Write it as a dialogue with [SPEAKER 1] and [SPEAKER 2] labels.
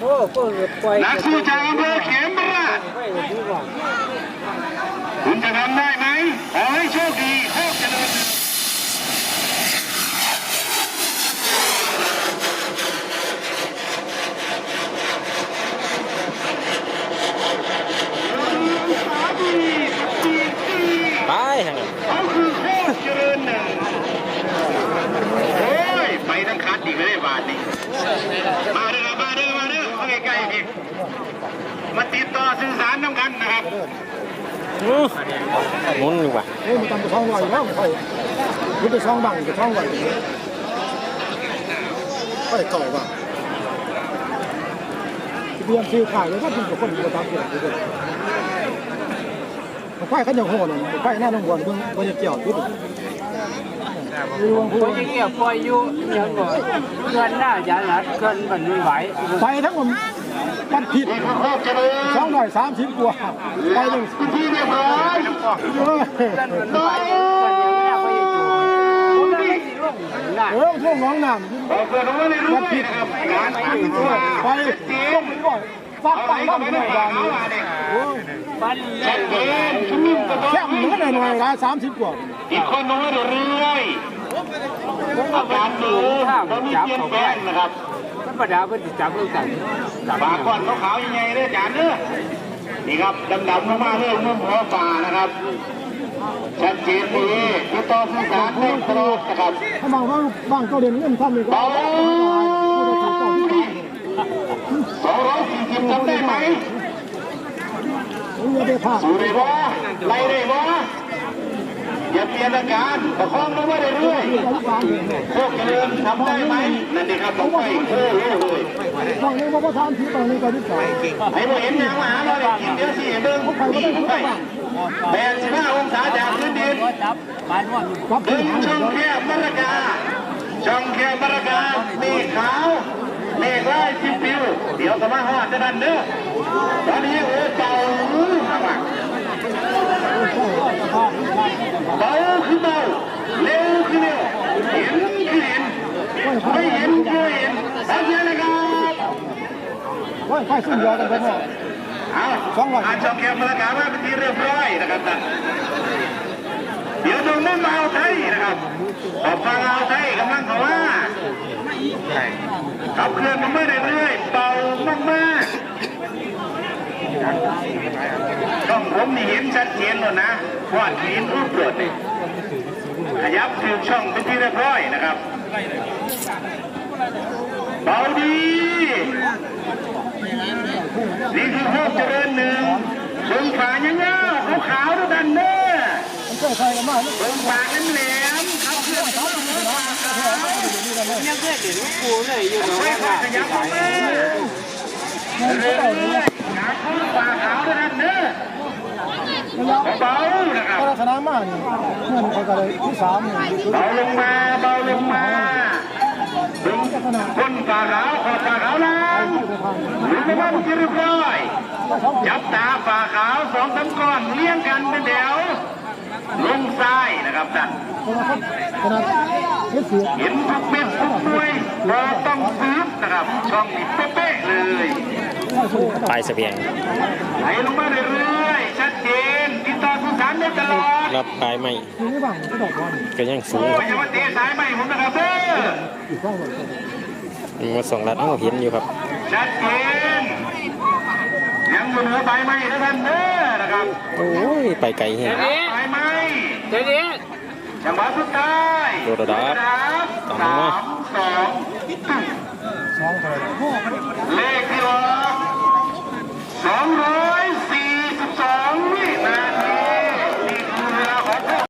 [SPEAKER 1] นักสู้จากอำเภอเขมราชคุณจะทำได้ไหมขอให้โชคดีโชคเจริญ
[SPEAKER 2] ไปทางนั้น
[SPEAKER 1] เขาคือโคตรเจริญหนึ่งโอ้ยไปทั้งคัดอีกไม่ได้บาทนี่มาเด้อมาเด้อมาเด้อมาใกล้ๆพี่มาติดต่อสื่อสารน้ำกันนะครับ
[SPEAKER 2] มุนดีกว่า
[SPEAKER 3] มันทำกระช่องลอยแล้วค่อยมันจะช่องบังกระช่องลอยค่อยเก่าว่ะเรียนฟิวขายเลยถ้าเป็นคนอยู่ตามเกี่ยวด้วยมันค่อยเขาจะโหดเลยค่อยหน้าลงบอลเพิ่งมันจะเกี่ยวด้วย
[SPEAKER 4] คนที่เกี่ยวปล่อยอยู่ยังก่อนเกินหน้าอย่าหลัดเกินมันไม่ไหว
[SPEAKER 3] ไปทั้งหมดมันผิด230 กว่าไปหนึ่ง
[SPEAKER 1] ที่เรียบร้อย
[SPEAKER 3] ช่วงน้องน้ำ
[SPEAKER 1] เกิดอะไรรู้ไหมครับการตั้งตัว
[SPEAKER 3] ไปต้มก่อนฟักไปบ้างหน่อยอย่างนี้
[SPEAKER 1] ชัดเจนชุ่มกระบอก
[SPEAKER 3] แค่เหมือนหน่อยละ30 กว่า
[SPEAKER 1] อีกคนน้อยเรื่อยอาการดูตอนนี้เปลี่ยนแปลงนะครับ
[SPEAKER 4] ธรรมดาเป็นจับเรื่องกัน
[SPEAKER 1] ปากก้อนขาวๆยังไงเนี่ยจานเนื้อนี่ครับดำๆมากๆเรื่องนุ่มหัวปลานะครับชัดเจนดีติดต่อสื่อสารได้ตลอดนะครับ
[SPEAKER 3] ถ้าบางก็เรียนเงินทำเลยก็
[SPEAKER 1] 240จำได้ไหมสู้ได้บ่ไล่ได้บ่อย่าเปลี่ยนอาการประคองลงมาเรื่อยๆพวกเจริญทำได้ไหมนั่นดีครับต้องไปโอ้โหเลย
[SPEAKER 3] ตอนนี้ว่าทำที่ตอนนี้ก็ที่สอง
[SPEAKER 1] ให้เราเห็นอย่างมหาเราเลยกินเดี๋ยวสิเดินพวกเขาไป85 องศาจากพื้นดินดึงช่องแคบมรกาช่องแคบมรกาเมฆขาวเมฆไล่ปิวเดี๋ยวสมาหอดจะดันเด้อตอนนี้โอ้เบาข้างหลังเบาคือเบาเร็วคือเร็วเห็นคือเห็นไม่เห็นคือเห็นสัญญาณนะครับ
[SPEAKER 3] ค่อยขึ้นยอกันไปหมด
[SPEAKER 1] ช่องแคบมรกาว่าเป็นที่เรียบร้อยนะครับเดี๋ยวตรงนั้นมาเอาไทยนะครับออกฟังเอาไทยกำลังเขาว่าขับเคลื่อนมาเรื่อยๆเบามากๆต้องผมนี่เห็นชัดเจนเลยนะว่าหินรูปโปรดนี่ขยับถึงช่องเป็นที่เรียบร้อยนะครับเบาดีนี่คือโคกเจริญหนึ่งส่งขาเงี้ยขาวๆด้วยกันเด้อส่งขาแหลมๆครับเพื่อน
[SPEAKER 4] ยังเพื่อนเห็นลูกปูเลยอยู่ตรง
[SPEAKER 1] นี้ขยับมาเรื่อยๆขาขึ้นปากขาวด้วยกันเด้อเบานะครับ
[SPEAKER 3] ลักษณะมากนี่เพื่อนเขาก็เลยที่3
[SPEAKER 1] เบาลงมาเบาลงมาดึงคนปากขาวขอดปากขาวล่างหรือไม่ว่ามันจะเรียบร้อยจับตาปากขาว2-3 ก้อนเลี้ยงกันเป็นแถวลงซ้ายนะครับท่านเห็นทุกเม็ดทุกหน่วยเราต้องซื้อนะครับช่องนี้เป๊ะๆเลย
[SPEAKER 2] ปลายเสบียง
[SPEAKER 1] ไหลลงมาเรื่อยๆชัดเจนติดต่อสื่อสารได้ตลอด
[SPEAKER 2] รับปลายไม่ก็ยังสูง
[SPEAKER 1] ไม่ใช่ว่าเตะสายไม่ผมนะครับเด้
[SPEAKER 2] อมา2 ลัดเห็นอยู่ครับ
[SPEAKER 1] ชัดเจนยังอยู่เหนือใบไม้นะท่านเด้อนะครับ
[SPEAKER 2] โอ้ยไปไกลเห็น
[SPEAKER 1] ใบไม้
[SPEAKER 4] เดี๋ยวนี้
[SPEAKER 1] จังหวะสุดท้าย
[SPEAKER 2] โดดดับ
[SPEAKER 1] 3-2เลขที่ร้อย